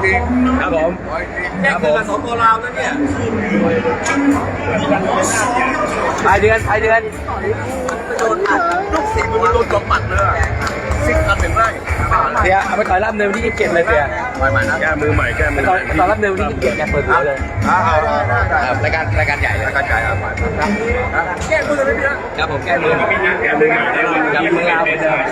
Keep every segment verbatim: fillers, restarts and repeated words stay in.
จริงครับผมแค่คือกับสองตัวเรานั่นเนี่ยปลายเดือนปลายเดือนโดนอัดลูกศิษย์มันโดนจมปัดเลยซิกอันหนึ่งไร่เสียเอาไปต่อยรับเนินวันที่ยี่สิบเจ็ดเลยเสียใหม่ๆนะแก้มือใหม่แก้มือตใหอนม่ตอนรับเนินวันที่ยี่สิบเจ็ดแกเปิดหัวเลยได้ได้ได้ครับรายการรายการใหญ่เลยกระจายอ่ะใหม่แก้มือเลยพี่นะครับผมแก้มือแก้มือใหม่ได้เลยกับมือเรา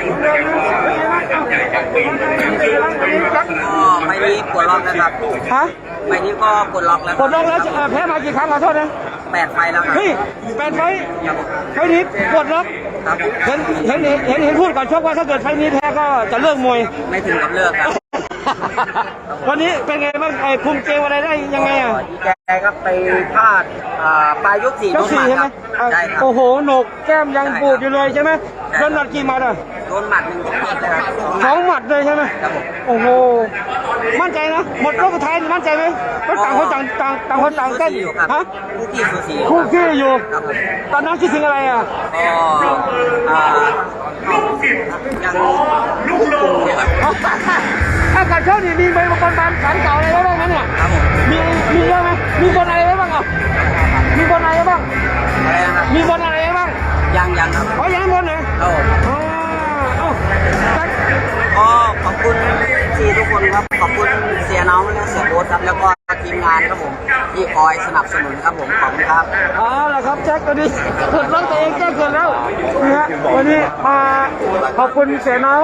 ก็ไม่นี้ปวดล็อกนะครับฮะไม่นี้ก็ปวดล็อกแล้วกดลงแล้วเอ่อแพ้มากี่ครั้งขอโทษนะแปดไฟแล้วครับเฮ้ยแปดไฟท์ไฟท์นี้กดล็อกครับเห็นเห็นเห็นเห็นพูดก่อนชกว่าถ้าเกิดไฟท์นี้แพ้ก็จะเลิกมวยไม่ถึงกับเลิกครับวันนี้เป็นไงบ้างไอ้คุมเกมอะไรได้ยังไงอ่ะดีใจครับไปพลาดอ่าปลายยกสี่ยโดกนหสี่มัดใช่ไหมครับใช่ครับโอ้โหหนกแก้มยังปูดอยู่เลยใช่ไหมโดนหมัดกี่หมัดอ่ะโดนหมัดหนึ่งสองหมัดเลยครับสองหมัดเลยใช่ไหมครับผมโอ้โหมั่นใจนะหมดรอบสุดท้ายมั่นใจไหมก็ต่างคนต่างต่างต่างคนต่างเต้นอยู่ครับฮะคู่ขี้สูสีคู่ขี้อยู่ครับผมตอนนั้นคิดถึงอะไรอ่ะก็อ่ายังควบคุมอยู่ครับถ้าการเข้านี่มีใบบนบานสันเก่าอะไรไว้บ้างไหมเนี่ยครับผมมีมีเยอะไหมมีบนอะไรไว้บ้างอ่ะมีบนอะไรไว้บ้างอะไรนะครับมีบนอะไรไว้บ้างยังยังครับอ๋อยังบนเหรอครับผมอ๋อเอ้าจัดก็ขอบคุณทีทุกคนครับขอบคุณเสียน้องและเสียโบ๊ทครับแล้วก็ทีมงานครับผมที่คอยสนับสนุนครับผมขอบคุณครับเอาละครับแจ็ควันนี้กดล็อกตัวเองแก้เกินแล้วนะฮะวันนี้มาขอบคุณเสียน้อง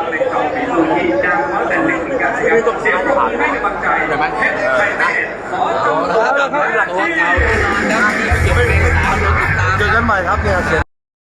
ใช่ไหมเอาละครับเจอกันใหม่ครับเนี่ยเสีย